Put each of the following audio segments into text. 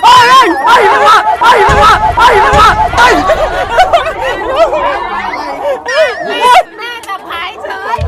แม่จับหายเฉย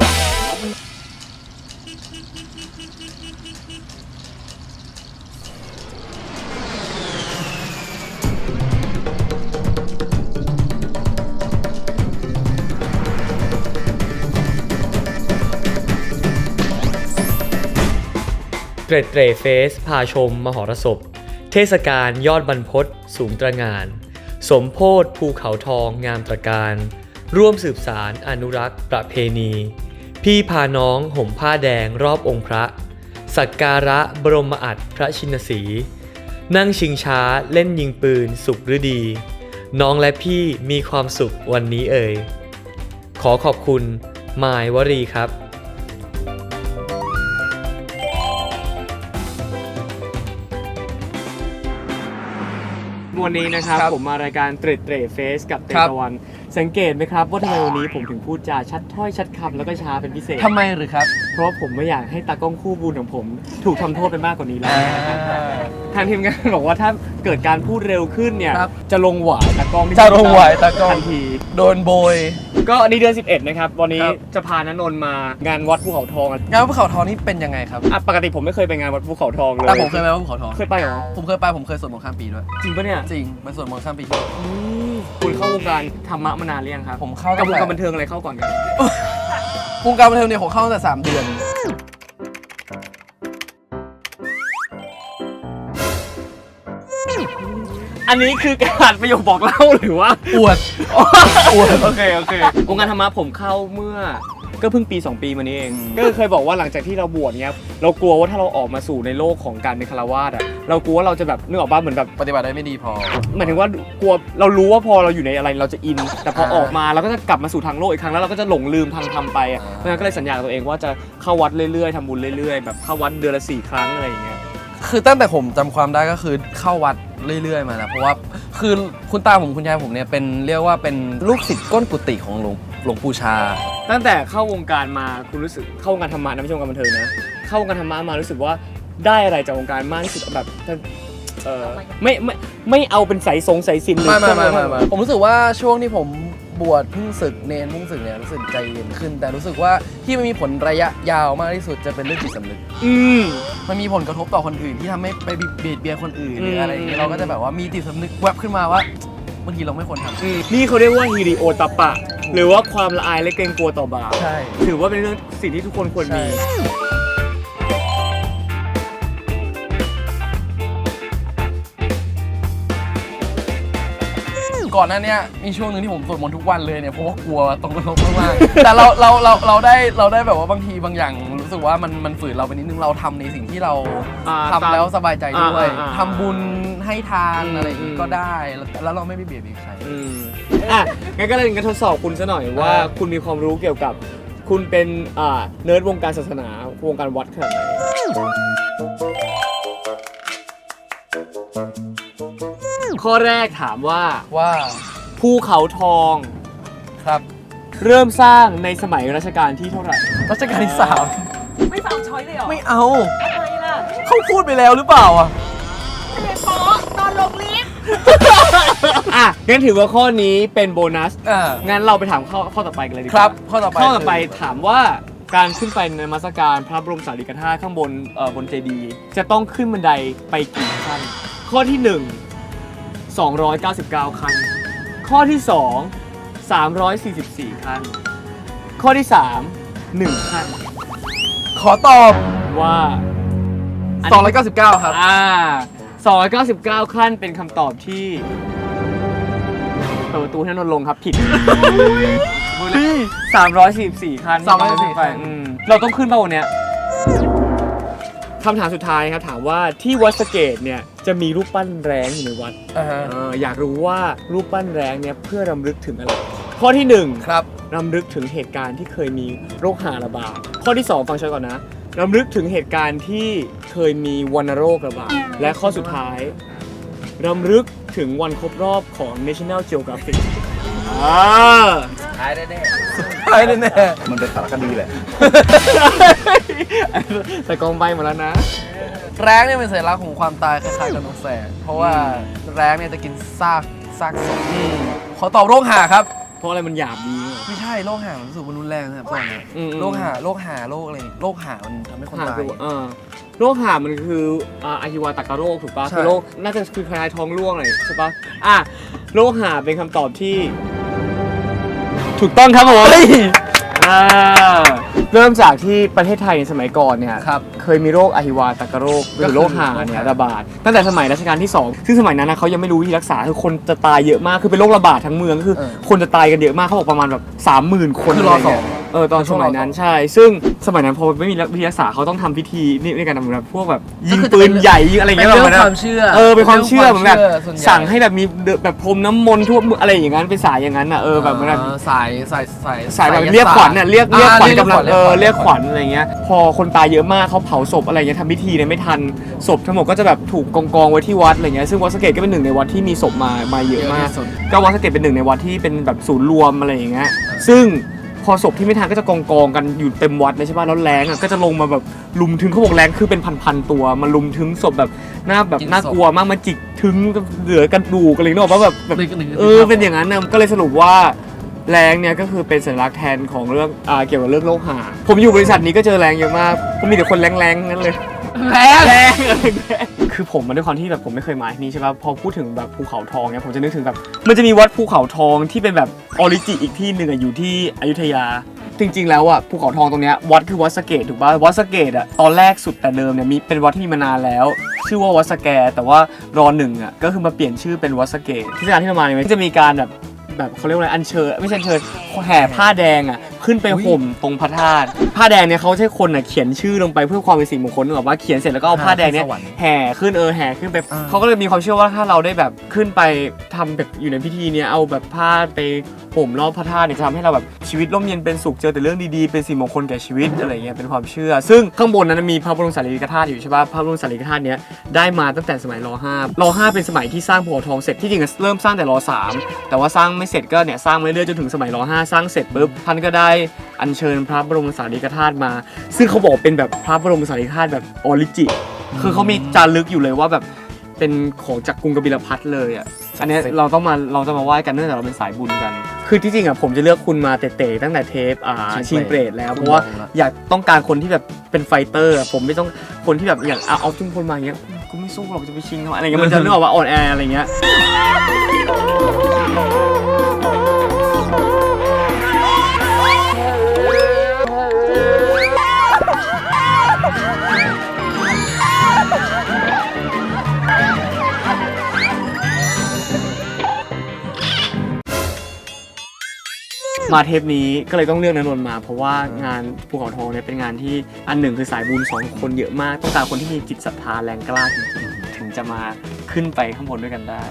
เตร็ดเตร่เฟสพาชมมหรสพเทศกาลยอดบรรพตสูงตระหง่าน สมโพธิภูเขาทองงามตระการ ร่วมสืบสารอนุรักษ์ประเพณี พี่พาน้องห่มผ้าแดงรอบองค์พระ สักการะบรมอัฐพระชินสีห์นั่งชิงช้าเล่นยิงปืนสุขฤดี น้องและพี่มีความสุขวันนี้เอ่ยขอขอบคุณมายวรีครับวันนี้นะครับผมมารายการเตร็ดเตร่เฟสกับเตตะวันสังเกตไหมครับว่าทำไมวันนี้ผมถึงพูดจาชัดถ้อยชัดคำแล้วก็ช้าเป็นพิเศษทำไมหรือครับเพราะผมไม่อยากให้ตากล้องคู่บุญของผมถูกทำโทษไปมากกว่านี้แล้วทางทีมงานบอกว่าถ้าเกิดการพูดเร็วขึ้นเนี่ยจะลงหวายตากล้องจะลงหวายตากล้องทันทีโดนโบยก็อันนี้เดือน11นะครับวันนี้จะพาณนนท์มางานวัดภูเขาทองงานวัดภูเขาทองนี่เป็นยังไงครับปกติผมไม่เคยไปงานวัดภูเขาทองเลยแต่ผมเคยไปวัดภูเขาทองเคยไปเหรอผมเคยไปผมเคยสวดมนต์ข้ามปีด้วยจริงปะเนี่ยจริงไปสวดมนต์ข้ามปีคุณเข้าวงการธรรมะมานานหรือยังครับผมเข้ากับวงการบันเทิงอะไรเข้าก่อนกันวงการบันเทิงเนี่ยผมเข้าตั้งแต่3 เดือนอันนี้คือการประโยคบอกเล่าหรือว่าอวดโอเควงการธรรมะผมเข้าเมื่อก็เพิ่งปี2 ปีมานี้เองก็เคยบอกว่าหลังจากที่เราบวชเนี้ยเรากลัวว่าถ้าเราออกมาสู่ในโลกของการเป็นฆราวาสอ่ะเรากลัวว่าเราจะแบบนึกออกป่ะเหมือนแบบปฏิบัติได้ไม่ดีพอหมายถึงว่ากลัวเรารู้ว่าพอเราอยู่ในอะไรเราจะอินแต่พอออกมาเราก็จะกลับมาสู่ทางโลกอีกครั้งแล้วเราก็จะหลงลืมทางธรรมไปเพราะฉะนั้นก็เลยสัญญากับตัวเองว่าจะเข้าวัดเรื่อยๆทำบุญเรื่อยๆแบบเข้าวัดเดือนละ4 ครั้งอะไรอย่างเงี้ยคือตั้งแต่ผมจำความได้ก็คือเข้าวัดเรื่อยๆมานะเพราะว่าคือคุณตาผมคุณยายผมเนี่ยเป็นเรียกว่าเป็นลูกศิษย์ก้นกุฏิของหลวงปู่ชาตั้งแต่เข้าวงการมาคุณรู้สึกเข้าวงการธรรมะนะไม่ใช่วงการบันเทิงนะเข้าวงการธรรมะมารู้สึกว่าได้อะไรจากวงการมากที่สุดแบบไม่เอาเป็นสายสิญจน์เลยไม่ผมรู้สึกว่าช่วงที่ผมบวชเพิ่งศึกเนรเพิ่งศึกเนี่ยรู้สึกใจเย็นขึ้นแต่รู้สึกว่าที่มันมีผลระยะยาวมากที่สุดจะเป็นเรื่องจิตสำนึกมันมีผลกระทบต่อคนอื่นที่ทำให้ไปเบียดเบียนคนอื่นหรืออะไรอย่างเงี้ยเราก็จะแบบว่ามีจิตสำนึกแวบขึ้นมาว่าบางทีเราไม่ควรทำนี่เขาเรียกว่าฮิริโอตปะหรือว่าความละอายและเกรงกลัวต่อบาปใช่ถือว่าเป็นเรื่องสิ่งที่ทุกคนควรมีก่อนหน้านี้มีช่วงนึงที่ผมสวดมนต์ทุกวันเลยเนี่ยเพราะว่ากลัวตรงนรกมากๆแต่เราได้แบบว่าบางทีบางอย่างรู้สึกว่ามันฝืนเราไปนิดนึงเราทำในสิ่งที่เราทำแล้วสบายใจด้วยทำบุญให้ทานอะไรอย่างนี้ก็ได้แล้วเราไม่ไปเบียดเบียนใครงั้นก็เลยทดสอบคุณซะหน่อยว่าคุณมีความรู้เกี่ยวกับคุณเป็นเนิร์ดวงการศาสนาวงการวัดขนาดไหนข้อแรกถามว่าภูเขาทองครับเริ่มสร้างในสมัยรัชกาลที่เท่าไหร่รัชกาลที่3 ไม่ฟังช้อยเลยเหรอไม่เอาทำไมล่ะเขาพูดไปแล้วหรือเปล่าทะเลป๊อตอนลงลิฟต์งั้นถือว่าข้อนี้เป็นโบนัสงั้นเราไปถามข้อต่อไปกันเลยดีกว่าครับข้อต่อไปถามว่าการขึ้นไปในนมัสการพระบรมสารีริกธาตุข้างบนเจดีย์จะต้องขึ้นบันไดไปกี่ขั้นข้อที่1 299 ขั้นข้อที่2 344 ขั้นข้อที่3 1 ขั้นขอตอบว่า 299ครับ 299 ขั้นเป็นคำตอบที่เปิดประตูให้นนท์ลงครับผิด344 ขั้นเราต้องขึ้นป่ะวันเนี้ยคำถามสุดท้ายครับถามว่าที่วัดสะเกษเนี่ยจะมีรูปปั้นแร้งอยู่ในวัดอยากรู้ว่ารูปปั้นแร้งเนี่ยเพื่อรำลึกถึงอะไรข้อที่1 ครับรำลึกถึงเหตุการณ์ที่เคยมีโรคหาระบาดข้อที่2ฟังฉันก่อนนะรำลึกถึงเหตุการณ์ที่เคยมีวัณโรคระบาดและข้อสุดท้ายรำลึกถึงวันครบรอบของ National Geographic ท้ายแน่มันเป็นสารคดีแหละแต่กองใบหมดแล้วนะแร้งเนี่ยเป็นสัญลักษณ์ของความตายคล้ายๆกับนกแสกเพราะว่าแร้งเนี่ยจะกินซากศพขอตอบโรคหาครับเพราะอะไรมันหยาบดีไม่ใช่โรคหามันรู้สึกมันรุนแรงนะครับตอนนี้โรคหาโรคอะไรโรคหามันทำให้คนตายโรคหามันคืออาฮิวาตากาโรคถูกปะใช่คือโรคน่าจะคือคล้ายๆท้องร่วงอะไรใช่ปะโรคหาเป็นคำตอบที่ ถูกต้องครับผมเริ่มจากที่ประเทศไทยในสมัยก่อนเนี่ยครับเคยมีโรคอหิวาตากโรคหรือโรคหาเนี่ยระบาดตั้งแต่สมัยรัชกาลที่ 2 ซึ่งสมัยนั้นนะเขายังไม่รู้วิธีรักษาคือคนจะตายเยอะมากคือเป็นโรคระบาดทั้งเมืองคือคนจะตายกันเยอะมากเขาบอกประมาณแบบ 30,000 คนคือรอสองตอนสมัยนั้นใช่ซึ่งสมัยนั้นพอไม่มีวิธีรักษาเขาต้องทำพิธีนี่ในการทำแบบพวกแบบยิงปืนใหญ่ยิงอะไรอย่างเงี้ยเป็นแบบเรื่องความเชื่อเป็นความเชื่อเหมือนแบบส่วนใหญ่สั่งให้แบบมีแบบพรมน้ำมนต์ทั่วอะไรอย่างนั้นเป็นสายอย่างนั้นแบบเหมือนแบบสายแบบเรียกขวัญน่ะเรียกขวัญกำลังเรียกขวัญญอะไรเงี้ยพอคนตายเยอะมากเขาเผาศพอะไรเงี้ยทำพิธีเนี่ยไม่ทันศพทั้งหมดก็จะแบบถูกกองไว้ที่วัดอะไรเงี้ยซึ่งวัดสะเกตก็เป็นหนึ่งในวัดที่มีศพมาเยอะมากก็วัดสะเกตเป็นหนึ่งในวัดที่เป็นแบบศูนย์รวมอะไรอย่างเงี้ยซึ่งพอศพที่ไม่ทันก็จะกองกันอยู่เต็มวัดเลยใช่ป่ะแล้วแรงก็จะลงมาแบบลุมถึงเขาบอกแรงคือเป็นพันตัวมาลุมถึงศพแบบน่ากลัวมากมาจิกถึงเหลือกระดูกอะไรเนาะว่าแบบเป็นอย่างนั้นนะก็เลยสรุปว่าแรงเนี่ยก็คือเป็นสัญลักษณ์แทนของเรื่องเกี่ยวกับเรื่องโรคหาผมอยู่บริษัทนี้ก็เจอแรงเยอะมากผมมีแต่คนแรงๆนั้นเลยแรงคือผมมาด้วยความที่แบบผมไม่เคยมาที่นี่ใช่ป่ะพอพูดถึงแบบภูเขาทองเนี่ยผมจะนึกถึงแบบมันจะมีวัดภูเขาทองที่เป็นแบบออริจิอีกที่หนึ่งอยู่ที่อยุธยาจริงๆแล้วภูเขาทองตรงเนี้ยวัดคือวัดสะเกตถูกป่ะวัดสะเกตตอนแรกสุดแต่เดิมเนี่ยมีเป็นวัดที่มีมานานแล้วชื่อว่าวัดสะแกแต่ว่าร.1ก็คือมาเปลี่ยนชื่อเป็นวัดสะเกตที่สถานที่ประมาณนี้จะมีการแบบเขาเรียกว่าอะไรอัญเชิญไม่ใช่อัญเชิญแห่ผ้าแดงขึ้นไปห่มตรงพระธาตุผ้าแดงเนี่ยเขาใช้คนเขียนชื่อลงไปเพื่อความเป็นสิริมงคลนึกออกว่าเขียนเสร็จแล้วก็เอาผ้าแดงเนี่ยแห่ขึ้นแห่ขึ้นไปเขาก็เลยมีความเชื่อว่าถ้าเราได้แบบขึ้นไปทำแบบอยู่ในพิธีเนี่ยเอาแบบผ้าไปห่มรอบพระธาตุเนี่ยจะทำให้เราแบบชีวิตร่มเย็นเป็นสุขเจอแต่เรื่องดีๆเป็นสิริมงคลแก่ชีวิตอะไรเงี้ยเป็นความเชื่อซึ่งข้างบนนั้นมีพระบรมสารีริกธาตุอยู่ใช่ป่ะพระบรมสารีริกธาตุเนี้ยได้มาตั้งแต่สมัยร.5เป็นสมัยที่สร้างภูเขาทองเสร็จที่จริงเริ่มสร้างแต่ร.3แต่ว่าสร้างไม่เสร็จก็เนี่ยสร้างมาเรื่อยๆจนถึงสมัยร.5สร้างเสร็จปุ๊บท่านก็ได้อัญเชิญพระบรมสารีริกธาตุมาซึ่งเขาบอกเป็นแบบพระบรมสารีริกธาตุแบบออริจิคือเขามีจารึกอยู่เลยว่าแบบเป็นของจากกรุงกบิลพัทเลยอันนี้เราจะมาไหว้กันเนื่องจากเราเป็นสายบุญกันคือที่จริงผมจะเลือกคุณมาเตะตั้งแต่เทปชิงเปรตแล้วเพราะว่าอยากต้องการคนที่แบบเป็นไฟเตอร์ผมไม่ต้องคนที่แบบอย่างเอาจุ่มคนมาอย่างเงี้ยกูไม่สู้หรอกจะไปชิงทำอะไรเงี้ยมันจะนึกออกว่าอ่อนแออะไรเงี้ยมาเทปนี้ก็เลยต้องเลือกณนนท์มาเพราะว่างานภูเขาทองเนี่ยเป็นงานที่อันหนึ่งคือสายบุญ2คนเยอะมากต้องการคนที่มีจิตศรัทธาแรงกล้าจริงๆถึงจะมาขึ้นไปข้างบนด้วยกันได้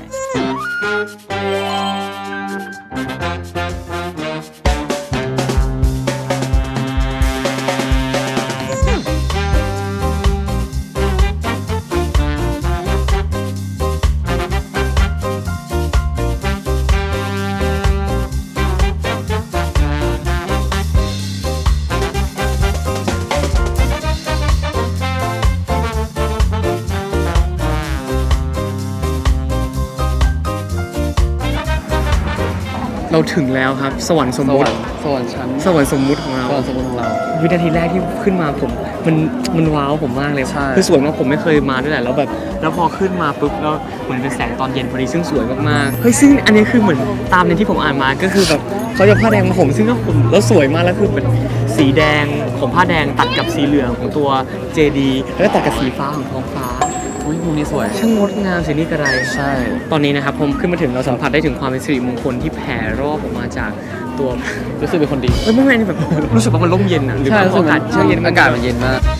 เราถึงแล้วครับสวรรค์สมมุติสวรรค์ชั้นสวรรค์สมมุติของเราสวรรค์สมมุติของเราวินาทีแรกที่ขึ้นมามันว้าวผมมากเลยคือสวยมากผมไม่เคยมาด้วยแหละแล้วพอขึ้นมาปุ๊บแล้วเหมือนเป็นแสงตอนเย็นพอดีซึ่งสวยมากๆเฮ้ยซึ่งอันนี้คือเหมือนตามในที่ผมอ่านมาก็คือแบบเขาจะผ้าแดงมาผมซึ่งก็ผมแล้วสวยมากแล้วคือเป็นสีแดงของผ้าแดงตัดกับสีเหลืองของตัวเจดีแล้วก็ตัดกับสีฟ้าของท้องฟ้ามุมนี้สวยช่างงดงามสินี่กระไรใช่ตอนนี้นะครับผมขึ้นมาถึงเราสัมผัสได้ถึงความเป็นสิริมงคลที่แผ่รอบออกมาจากตัวรู้สึกเป็นคนดีไม่แบบรู้สึกว่ามันร่มเย็นหรืออากาศเย็นอากาศมันเย็นมาก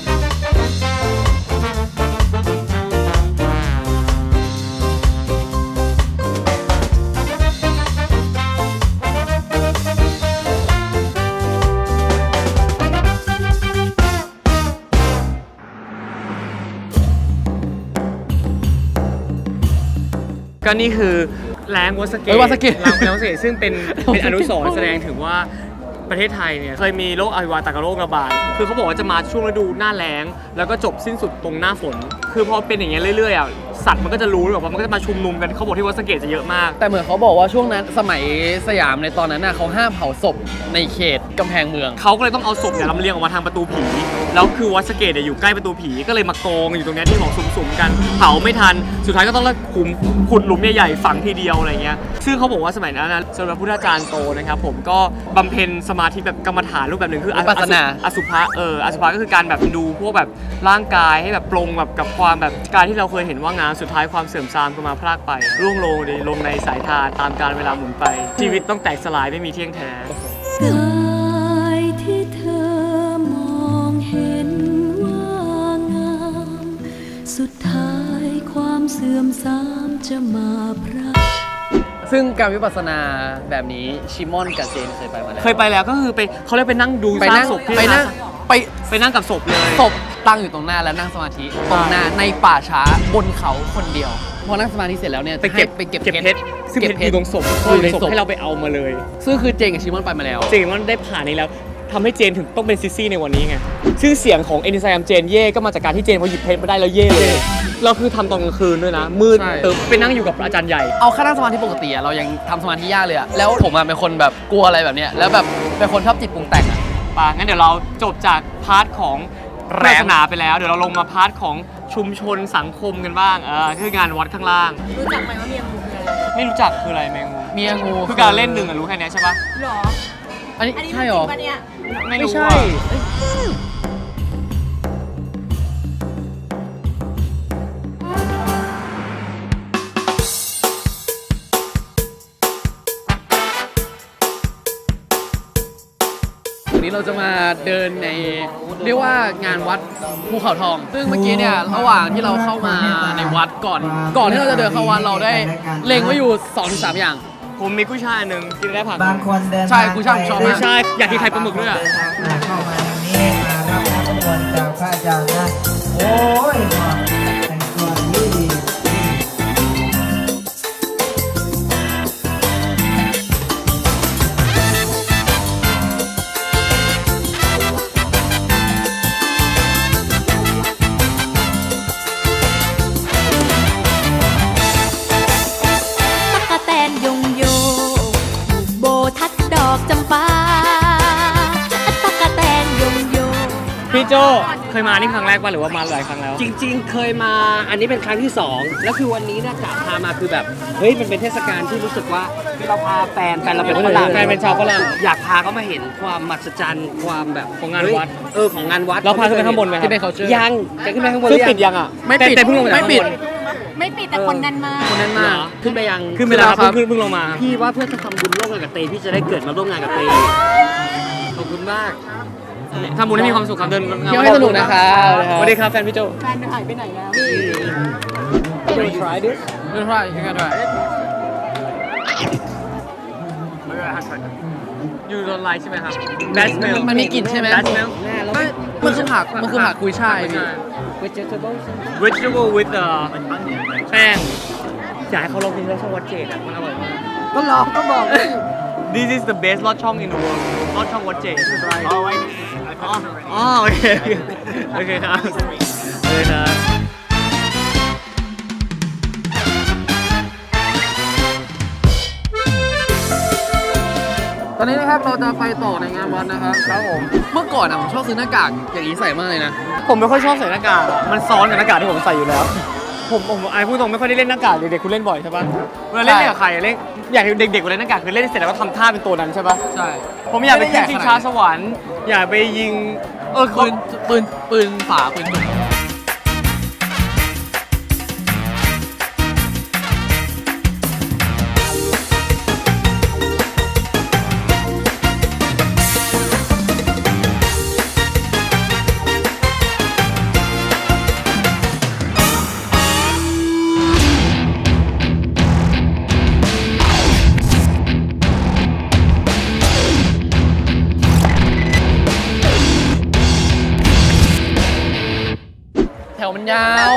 ก็นี่คือแรงวัดสะเกตซึ่งเป็นอนุสรณ์แสดงถึงว่าประเทศไทยเนี่ยเคยมีโรคอหิวาตากโรคระบาดคือเขาบอกว่าจะมาช่วงฤดูหน้าแล้งแล้วก็จบสิ้นสุดตรงหน้าฝนคือพอเป็นอย่างเงี้ยเรื่อยๆอ่ะสัตว์มันก็จะรู้แบบว่ามันก็จะมาชุมนุมกันเขาบอกที่วัดสะเกษจะเยอะมากแต่เหมือนเขาบอกว่าช่วงนั้นสมัยสยามในตอนนั้นน่ะเขาห้ามเผาศพในเขตกำแพงเมืองเขาก็เลยต้องเอาศพเนี่ยลำเลียงออกมาทางประตูผีแล้วคือวัดสะเกษเนี่ยอยู่ใกล้ประตูผีก็เลยมากองอยู่ตรงนี้ที่ของสุ่มๆกันเผาไม่ทันสุดท้ายก็ต้องขุดหลุมใหญ่ๆฝังทีเดียวอะไรเงี้ยซึ่งเขาบอกว่าสมัยนั้นนะสมเด็จพระพุทธาจารย์โตนะครับผมก็บำเพ็ญสมาธิแบบกรรมฐานรูปแบบหนึ่งคืออสุภะอสุภะก็คือการแบบดูพวกแบบร่างกายให้แบบปรงแบบกับความแบบการที่เราเคยเห็นว่างานสุดท้ายความเสื่อมทรามก็มาพรากไปร่วงโรยลงในสายทานตามกาลเวลาหมุนไปชีวิตต้องแตกสลายไม่มีเที่ยงแท้กายที่เธอมองเห็นว่างามสุดท้ายความเสื่อมทรามจะมาพรากซึ่งการวิปัสสนาแบบนี้ชิมอนกับเจนเคยไปมาแล้วเคยไปแล้วก็คือไปเขาเรียกไปนั่งดูซากศพที่ไปนั่งกับศพเลยศพตั้งอยู่ตรงหน้าแล้วนั่งสมาธิตรงหน้าในป่าช้าบนเขาคนเดียวพอนั่งสมาธิเสร็จแล้วเนี่ยไปเก็บเพชรซึ่งเพชรอยู่ตรงศพอยู่ในศพให้เราไปเอามาเลยซึ่งคือเจนกับชิมอนไปมาแล้วเจนมันได้ผ่านนี้แล้วทำให้เจนถึงต้องเป็นซิซี่ในวันนี้ไงซึ่งเสียงของเอนิไซม์เจนเย่ก็มาจากการที่เจนพอหยิบเพชรมาได้แล้วเย่เลยเราคือทำตอนกลางคืนด้วยนะมืดไปนั่งอยู่กับอาจารย์ใหญ่เอาแค่นั่งสมาธิปกติเรายังทำสมาธิยากเลยอะแล้วผมเป็นคนแบบกลัวอะไรแบบเนี้ยแล้วแบบเป็นคนชอบจิตปรุงแต่งอะป่ะงั้นเดี๋ยวเราจบจากพาร์ทของศาสนาไปแล้วเดี๋ยวเราลงมาพาร์ทของชุมชนสังคมกันบ้างคืองานวัดข้างล่างรู้จักไหมว่าเมียงูคืออะไรไม่รู้จักคืออะไรแมงมุมเมียงูคือการเล่นหนึ่งรู้แค่นี้ใช่ปะหรออันนี้ใช่หรอไม่ใช่วันนี้เราจะมาเดินในเรียกว่างานวัดภูเขาทองซึ่งเมื่อกี้เนี่ยระหว่างที่เราเข้ามาในวัดก่อนที่เราจะเดินเข้าวัดเราได้เล็งไว้อยู่ 2-3 อย่างผมมีกุ้ยช่ายนึงกินได้ผักบางคนเดินใช่กุ้ยช่ายชอบมากใช่อยากกินไข่ปลาหมึกด้วยอ่ะเข้ามาทางนี้มารับน้ำมนต์จากพระอาจารย์นะโอ้ยแต่งตัวดีพี่โจเคยมานี่ครั้งแรกป่ะหรือว่ามาหลายครั้งแล้วจริงๆเคยมาอันนี้เป็นครั้งที่2แล้วคือวันนี้เนี่ยกะพามาคือแบบเฮ้ยมันเป็นเทศกาลที่รู้สึกว่าเราพาแฟนเราเป็นฝรั่งแฟนเป็นชาวฝรั่งอยากพาเขามาเห็นความมหัศจรรย์ความแบบของงานวัดของงานวัดเราพาขึ้นไปข้างบนไหมที่เป็นเขาเชื่อยังจะขึ้นไปข้างบนปิดยังอ่ะไม่ปิดแต่เพิ่งลงไม่ปิดแต่คนนั้นมาขึ้นไปยังขึ้นไปแล้วครับเพิ่งลงมาพี่ว่าเพื่อจะทำบุญร่วมกันกับเตพี่จะได้เกิดมาร่วมงานกับเตขอบคุณมากทำบุญให้มีความสุขครับเดินเที่ยวให้สนุกนะครับสวัสดีครับแฟนพี่โจแฟนหายไปไหนแล้ว try this try you can try you don't like ใช่ไหมครับ bad smell มันมีกลิ่นใช่ไหม bad smell มันคือผักกุยช่าย vegetable with แป้งอยากให้เขาลองกินแล้วชอบวัดเจดมันอร่อยมากก็ลองก็บอก This is the best ลอดช่อง in the world ลอดช่องวัดเจดโอเคโอเคครับตอนนี้นะครับเราจะไปต่อในงานวัดนะครับผมเมื่อก่อนผมชอบซื้อหน้ากากอย่างนี้ใส่มากเลยนะผมไม่ค่อยชอบใส่หน้ากากมันซ้อนกับหน้ากากที่ผมใส่อยู่แล้วผมพูดตรงไม่ค่อยได้เล่นหน้ากากเด็กๆคุณเล่นบ่อยใช่ปะเวลาเล่นกับใครเล่นอยากเด็กๆเวลาเล่นหน้ากากคือเล่นเสร็จแล้วก็ทำท่าเป็นตัวนั้นใช่ปะใช่ผมอยากไปขึ้นชิงช้าสวรรค์อยากไปยิงปืนฝาปืนจุกแถวมันยาว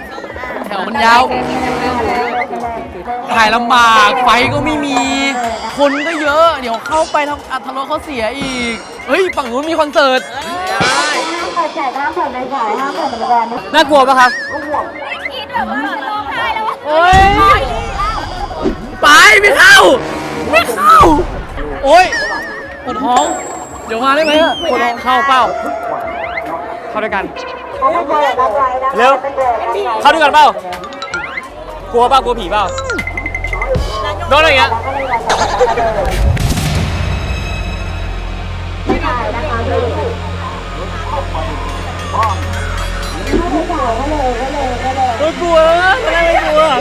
ถ่ายลำบากไฟก็ไม่มีคนก็เยอะเดี๋ยวเข้าไปทำอัตรรสเขาเสียอีกเฮ้ยฝั่งนู้นมีคอนเสิร์ตน่ากลัวปะครับคิดแบบว่าร้องไห้แล้วโอ้ยไปไม่เข้า ไม่เข้า โอ้ยปวดท้อง เดี๋ยวมาได้ไหมอะปวดท้องเข้าเปล่า เข้าด้วยกัน เร็ว เข้าด้วยกันเปล่า กลัวเปล่ากลัวผีเปล่า โดนอะไรอย่างเงี้ย ไม่กลัวนะไม่กลัว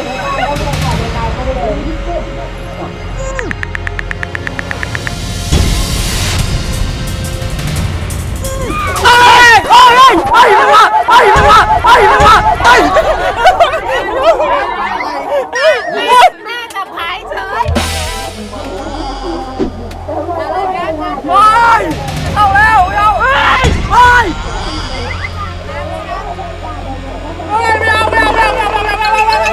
เฮ้ยเฮ้ยเฮ้ยมันมาเฮ้ยมันมาเฮ้ยมันมาเฮ้ยแม่จับขายเฉยว้ายเอาแล้วเอาเฮ้ยเฮ้ยไม่เอาไม่เอาไม่เอาไม่เอาไม่เอาไม่เอาไม่เอาไม่เอา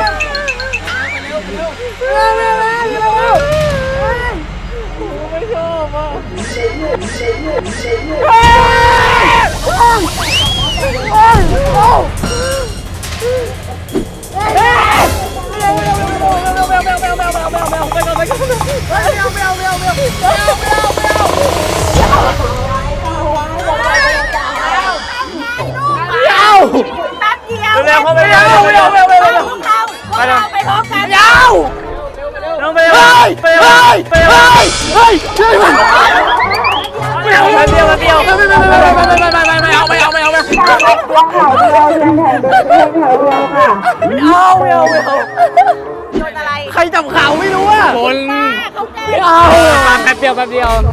ไม่ชอบอ่ะแป๊บเดียวเร็วเข้าไปเร็วเร็วเร็วเร็วเร็วพวกเราไปพร้อมกันยาวน้องไปเลยไปเลยไปเลยเฮ้ยช่วยมันไม่เอาไม่เอาไม่เอาไม่เอาไม่เอาไม่เอาไม่เอาไม่เอาโดนอะไรใครจับข่าวไม่รู้อ่ะคนเขาแก้ไม่เอาแป๊บเดียวแป๊บเดียว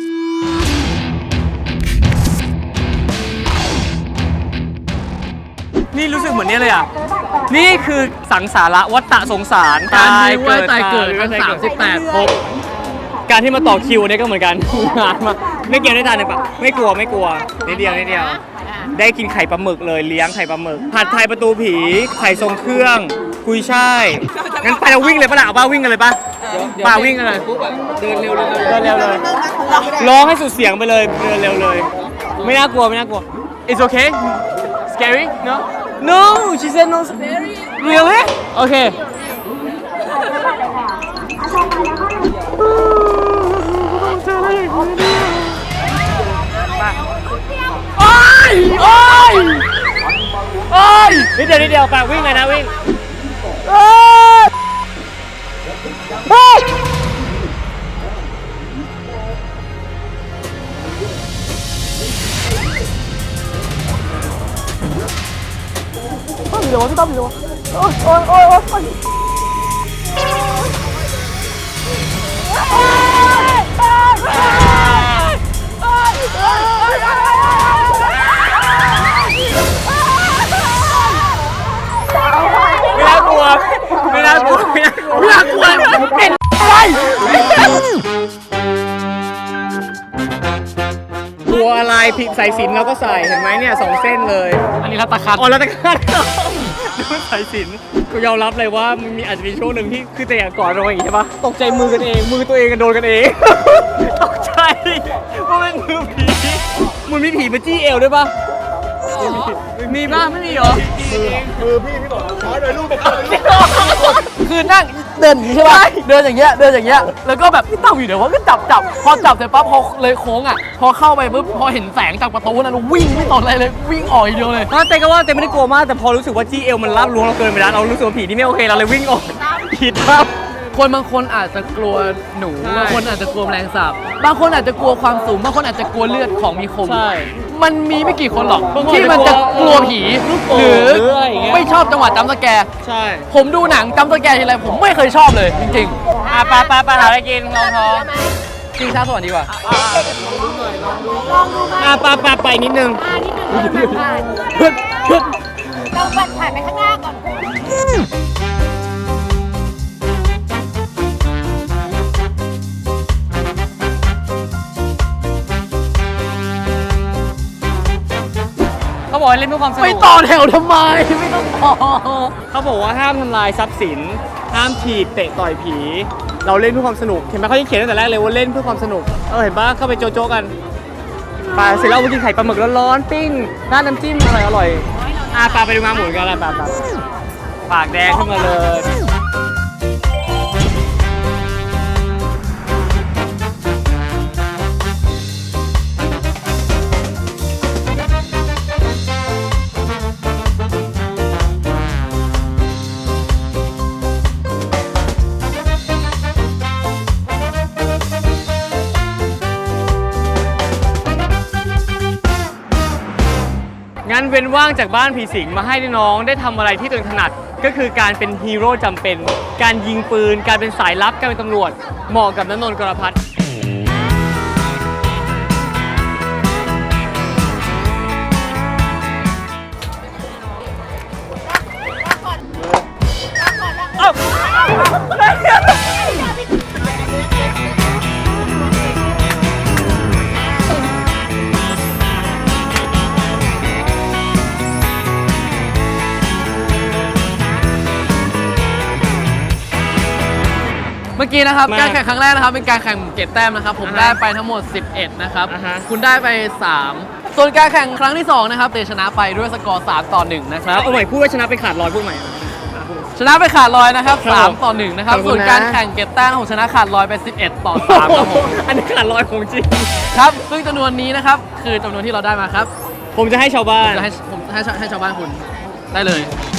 นี่รู้สึกเหมือนนี้เลยอ่ะนี่คือสังสาระวัฏฏะสงสารการมีไว้ตายเกิดทั้ง38 ภพการที่มาต่อคิวเนี่ยก็เหมือนกัน งานมาไม่เกี่ยวได้ทานเลยปะไม่กลัวไม่กลัวนิดเดียวนิดเดียว ได้กินไข่ปลาหมึกเลยเลี้ยงไข่ปลาหมึกผัดไทยประตูผีไข่ทรงเครื่องกุยช่ายงั้นไปเราวิ่งเลยปะล่ะเอาป้าวิ่งกันเลยปะป้าวิ่งกันเลยเดินเร็วเลยเดินเร็วเลยร้องให้สุดเสียงไปเลยเดินเร็วเลย ไม่น่ากลัวไม่น่ากลัว It's okay scary no no she said no really okay โอ้ยโอ้ยโอ้ยนิดเดียวปากวิ่งเลยนะวิ่งโอ้ยโอ้ยพี่ตั้มอยู่โอ้ยโอ้ยโอ้ยโอ้ยไม่น่ากลัวไม่น่ากลัวไม่น่ากลัวเป็นอะไรกลัวอะไรผิดใส่สินแล้วก็ใส่เห็นไหมเนี่ย2 เส้นเลยอันนี้รัตคันอ๋อรัตคันดูใส่สินกูยอมรับเลยว่ามันมีอาจจะมีช่วงหนึ่งที่คือแต่อย่างก่อนเราอย่างนี้ใช่ปะตกใจมือกันเองมือตัวเองกันโดนกันเองตกใจว่าเป็นมือผีมันมีผีมาจี้เอวด้วยปะมีป่ะไม่มีเหรอคือนั่งเดินอย่างนี้ใช่ป่ะเดินอย่างเงี้ยแล้วก็แบบพี่ตั้มอยู่เดี๋ยวว่าก็จับพอจับเสร็จปั๊บพอเลยโค้งอ่ะพอเข้าไปปุ๊บพอเห็นแสงจากประตูนั้นวิ่งไม่สนอะไรเลยวิ่งออกอย่างเดียวเลยเต้ก็ว่าเต้ไม่ได้กลัวมากแต่พอรู้สึกว่าจี้เอวมันรับลวงเราเกินไปแล้วเรารู้สึกว่าผีที่ไม่โอเคเราเลยวิ่งออกผิดครับคนบางคนอาจจะกลัวหนูบางคนอาจจะกลัวแมลงสาบบางคนอาจจะกลัวความสูงบางคนอาจจะกลัวเลือดของมีคมมันมีไม่กี่คนหรอกที่มันจะกลัวผีหรือไม่ชอบจังหวะจัมป์สแกร์ใช่ผมดูหนังจัมป์สแกร์ทีไรผมไม่เคยชอบเลยจริงๆปลาหาอะไรกินลองท้องกินข้าวสวัสดีกว่าปลาไปนิดนึงนิดนึงผ่านเราบัดผ่านไปข้างหน้าก่อนเขาบอกให้เล่นเพื่อความสนุกไม่ต่อแถวทำไมไม่ต้องต่อเขาบอกว่าห้ามทำลายทรัพย์สินห้ามถีบเตะต่อยผีเราเล่นเพื่อความสนุกเห็นไหมเขาที่เขียนตั้งแต่แรกเลยว่าเล่นเพื่อความสนุกเห็นปะเข้าไปโจ๊กกันไปเสร็จแล้วเอาไปกินไข่ปลาหมึกร้อนๆปิ้งราดน้ำจิ้มอร่อยปลาไปดูมาหมุนกันอะไรปลาปากแดงขึ้นมาเลยงั้นเว้นว่างจากบ้านผีสิงมาให้น้องได้ทำอะไรที่ตัวเองถนัดก็คือการเป็นฮีโร่จำเป็นการยิงปืนการเป็นสายลับการเป็นตำรวจเหมาะกับณนนท์ กรพัฒน์เมื่อกี้นะครับการแข่งครั้งแรกนะครับเป็นการแข่งเก็บแต้มนะครับผมได้ไปทั้งหมด 11 นะครับคุณได้ไป 3 ส่วนการแข่งครั้งที่2นะครับเตชนะไปด้วยสกอร์3-1นะครับเอาใหม่พูดว่าชนะไปขาดลอยพูดใหม่ชนะไปขาดลอยนะครับครับ 3-1นะครับขอบคุณนะส่วนการแข่งเก็บแต้มของชนะขาดลอยไป 11-3 ครับผมอันนี้ขาดลอยของจริงครับซึ่งจำนวนนี้นะครับคือจำนวนที่เราได้มาครับผมจะให้ชาวบ้านจะให้ชาวบ้านคุณได้เลย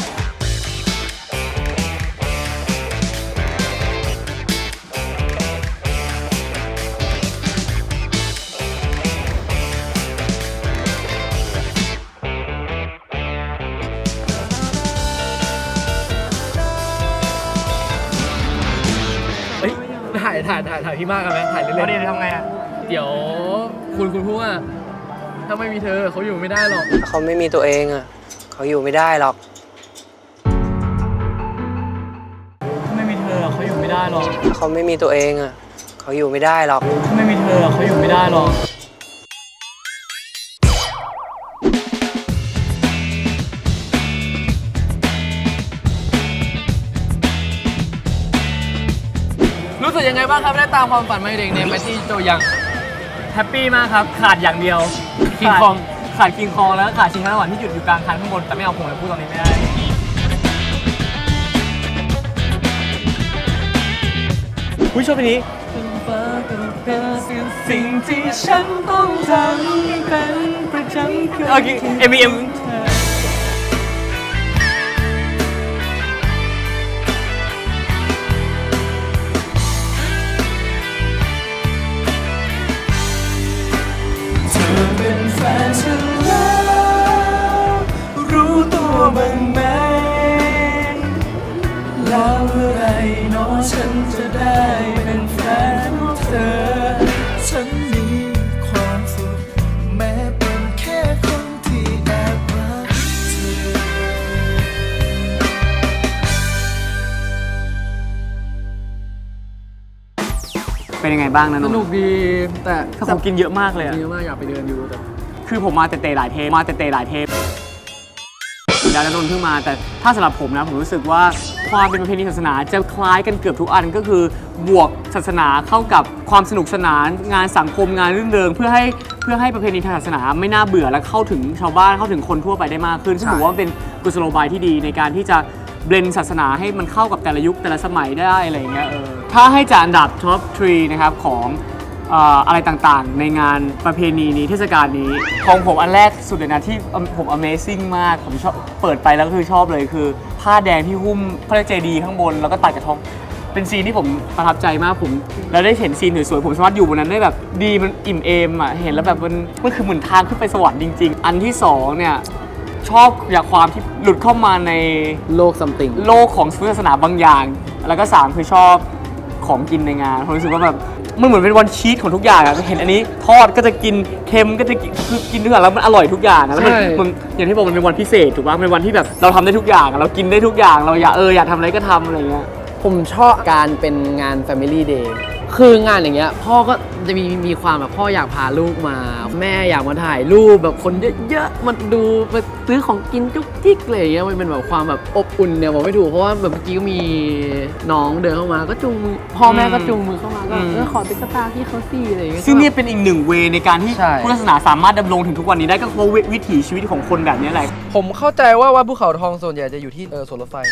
ถ่ายพี่มากกันไหมถ่ายเล่นๆเดี๋ยวทำไงอ่ะเดี๋ยวคุณพูดว่าถ้าไม่มีเธอเขาอยู่ไม่ได้หรอกเขาไม่มีตัวเองอ่ะเขาอยู่ไม่ได้หรอกไม่มีเธอเขาอยู่ไม่ได้หรอกเขาไม่มีตัวเองอ่ะเขาอยู่ไม่ได้หรอกไม่มีเธอเขาอยู่ไม่ได้หรอกรู้สึกยังไงบ้างครับได้ตามความฝันมาเด็กในแมตตี้โจยังแฮปปี้มากครับ ขาดอย่างเดียวคิงคองขาดคิงคองแล้วขาดชิงช้าสวรรค์ที่หยุดอยู่กลางคันข้างบน แต่ไม่เอาผมเลยพูดตอนนี้ไม่ได้ ผู้ชมเพลงนี้สิ่งที่ฉันต้องทำเป็นประจำคือโอเค M.E.M. เป็นแฟนฉันแล้วรู้ตัวบ้างไหมแล้วเมื่อไรน้องฉันจะได้เป็นแฟนของเธอฉันมีความสุขแม้เป็นแค่คนที่แอบรักเธอเป็นยังไงบ้างนะสนนนุกท์ดีแต่ถ้าผมกินเยอะมากเลยอะเยอะมากอยากไปเดินอยู่แต่คือผมมาเตะหลายเทปแล้วนนท์เพิ่งมาแต่ถ้าสำหรับผมนะผมรู้สึกว่าความเป็นประเพณีศาสนาจะคล้ายกันเกือบทุกอันก็คือบวกศาสนาเข้ากับความสนุกสนานงานสังคมงานรื่นเริงเพื่อให้ประเพณีทางศาสนาไม่น่าเบื่อและเข้าถึงชาวบ้านเข้าถึงคนทั่วไปได้มากขึ้นซึ่งผมว่ามันเป็นกุศโลบายที่ดีในการที่จะเบลนศาสนาให้มันเข้ากับแต่ละยุคแต่ละสมัยได้อะไรอย่างเงี้ยถ้าให้จัดอันดับท็อป 3 นะครับของอะไรต่างๆในงานประเพณีนี้เทศกาลนี้ของผมอันแรกสุดเลยนะที่ผม Amazing มากผมชอบเปิดไปแล้วก็คือชอบเลยคือผ้าแดงที่หุ้มพระเจดีย์ข้างบนแล้วก็ตัดกระทองเป็นซีนที่ผมประทับใจมากผมแล้วได้เห็นซีนสวยๆผมสามารถอยู่บนนั้นได้แบบดีมันอิ่มเอมอ่ะเห็นแล้วแบบมันคือเหมือนทางขึ้นไปสวรรค์จริงๆอันที่สองเนี่ยชอบอย่างความที่หลุดเข้ามาในโลกซัมติงโลกของศาสนาบางอย่างแล้วก็3คือชอบของกินในงานผมรู้สึกว่าแบบมันเหมือนเป็นวันชีทของทุกอย่างอะเห็นอันนี้ทอดก็จะกินเค็มก็จะกินคือกินทุกอย่างแล้วมันอร่อยทุกอย่างอะแล้วมันอย่างที่บอกมันเป็นวันพิเศษถูกป่ะเป็นวันที่แบบเราทำได้ทุกอย่างอะเรากินได้ทุกอย่างเราอยากทำอะไรก็ทำอะไรเงี้ยผมชอบการเป็นงาน Family Day คืองานอย่างเงี้ยพ่อก็จะมีความแบบพ่ออยากพาลูกมา แม่อยากมาถ่ายรูปแบบคนเยอะๆมาดูมาซื้อของกินจุ๊กจิ๊กอะไรอย่างเงี้ยมันเป็นแบบความแบบอบอุ่นเนี่ยบอกไม่ถูกเพราะว่าแบบเมื่อกี้ก็มีน้องเดินเข้ามาก็จูงมือพ่อแม่ก็จูงมือเข้ามาก็ขอติ๊กตาพี่เขาสิอะไรอย่างเงี้ยซึ่งนี่เป็นอีกหนึ่งเวในการที่ใช่พุทธศาสนาสามารถดำรงถึงทุกวันนี้ได้ก็เพราะวิถีชีวิตของคนแบบนี้แหละผมเข้าใจว่าวัดภูเขาทองส่วนใหญ่จะอยู่ที่สวนรถไฟ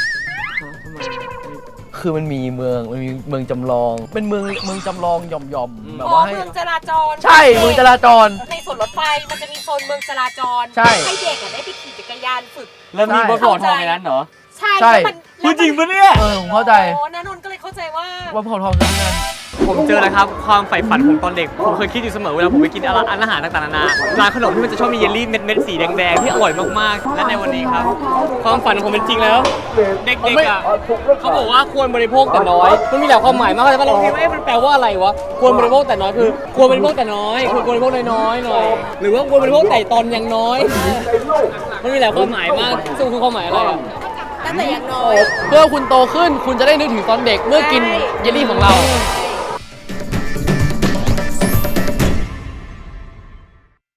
คือมันมีเมืองจำลอง เป็นเมืองจำลองหย่อมๆแบบว่าให้เมืองจราจรใช่เมืองจราจรในสวนรถไฟมันจะมีโซนเมืองจราจรใช่ให้เด็กได้ไปขี่จักรยานฝึกแล้วมีบทหลอดทองในนั้นเหรอใช่ใช่แล้วมันพูดจริงปะเนี่ยผมเข้าใจโอ้นนนท์ก็เลยเข้าใจว่าวัดภูเขาทองคือที่นั่นผมเจอแล้วครับความใฝ่ฝันของตอนเด็กผมเคยคิดอยู่เสมอเวลาผมไปกินอาหารต่างๆนานาร้านขนมที่มันจะชอบมีเยลลี่เม็ดสีแดงๆที่อร่อยมากๆและในวันนี้ครับความฝันของผมเป็นจริงแล้ว เด็กๆอ่ะเขาบอกว่าควรบริโภคแต่น้อยมันมีหลายความหมายมากเลยว่าเราคิดว่ามันแปลว่าอะไรวะควรบริโภคแต่น้อยคือควรบริโภคแต่น้อยควรบริโภคน้อยๆหน่อยหรือว่าควรบริโภคแต่ตอนยังน้อยมันมีหลายความหมายมากซึ่งคือความหมายอะไรอ่ะตั้งแต่ยังน้อยเพื่อคุณโตขึ้นคุณจะได้นึกถึงตอนเด็กเมื่อกินเยลลี่ของเราใ